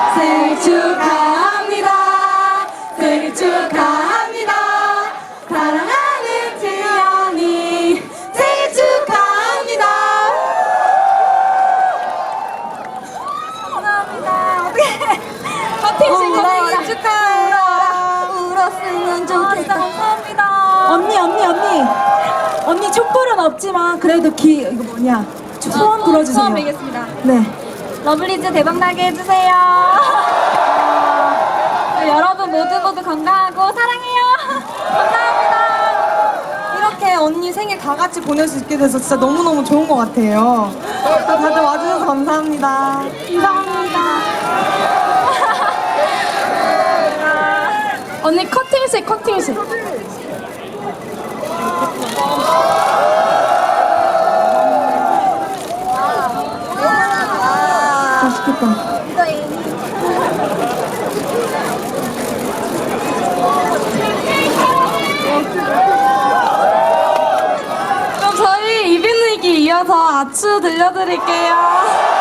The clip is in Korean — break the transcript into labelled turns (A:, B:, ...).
A: 생일 축하합니다. 생일 축하합니다. 사랑하는 재현이 생일 축하합니다. 감사합니다. 어떻게 생일 축하해요. 울었으면 좋겠다. 감사합니다.
B: 언니 촛불은 없지만 그래도 이거 뭐냐 소원 불어주세요.
A: 소원 빌겠습니다.
B: 네.
A: 러블리즈 대박나게 해주세요. 여러분 모두 건강하고 사랑해요. 감사합니다.
C: 이렇게 언니 생일 다 같이 보낼 수 있게 돼서 진짜 너무너무 좋은 것 같아요. 다들 와주셔서 감사합니다.
A: 감사합니다.
B: 언니 커팅식. 맛있겠다.
A: 그럼 저희 이비인후기 이어서 아추 들려드릴게요.